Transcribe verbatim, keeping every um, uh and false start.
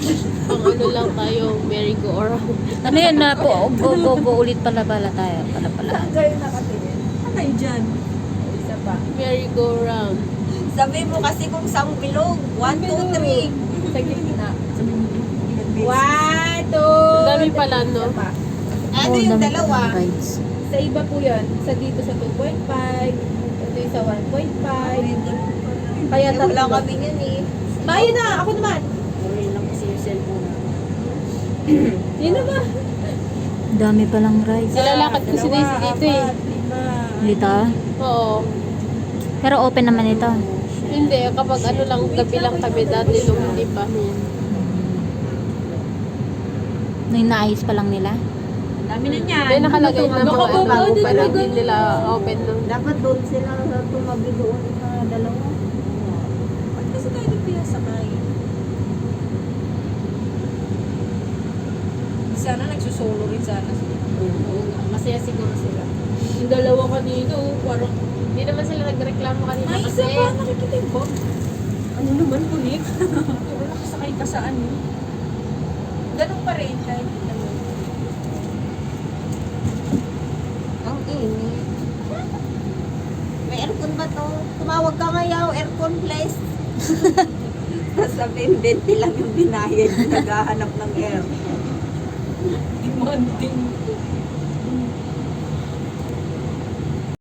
Pang ano lang tayo, merry-go-round. Ano yun na po, go, go, go ulit pala pala tayo. Pala pala. Saan kayo nakatingin? Ano kayo dyan? Isa pa. Merry-go-round. Sabi mo kasi kung saan bilog. One, two, three. Sa gitna. Sabi mo, one, two, Ang dami pala, no? Isa pa. Ano Oo, yung dami dalawa? pa ng rides. Sa iba po yun. Sa dito sa two point five. Ito yung sa one point five. Kaya Eh, wala tatlo. kami yun eh. Tayo na! Ako naman! Sino ba? Dami palang rides. Nilalakad ko si Daisy dito eh. Dito? Oo. Pero open naman ito. Hindi, kapag ano lang, gabi lang kami dati nung hindi pa. Yan. Nung naayos pa lang nila. Dami na niyan. May nakalagay na mga Nakababa bago din pero na hindi ganun. nila open nung Dapat doon sila tumabi doon sa dalawa. Ba't kasi tayo doon pinasakay? Sana nagsusolo rin sana sila. Oo nga, masaya siguro sila. Yung dalawa kanino, parang Hindi naman sila nagreklamo kanina may kasi isa pa nakikita yung box. Ano naman kulit? Wala kasakay ka saan yun. Ganun pa rin kahit ano. Ang init. May aircon ba to? Tumawag ka ngayaw, aircon place. Tapos sabihin, twenty lang yung binayad. Naghahanap ng air. Demanding.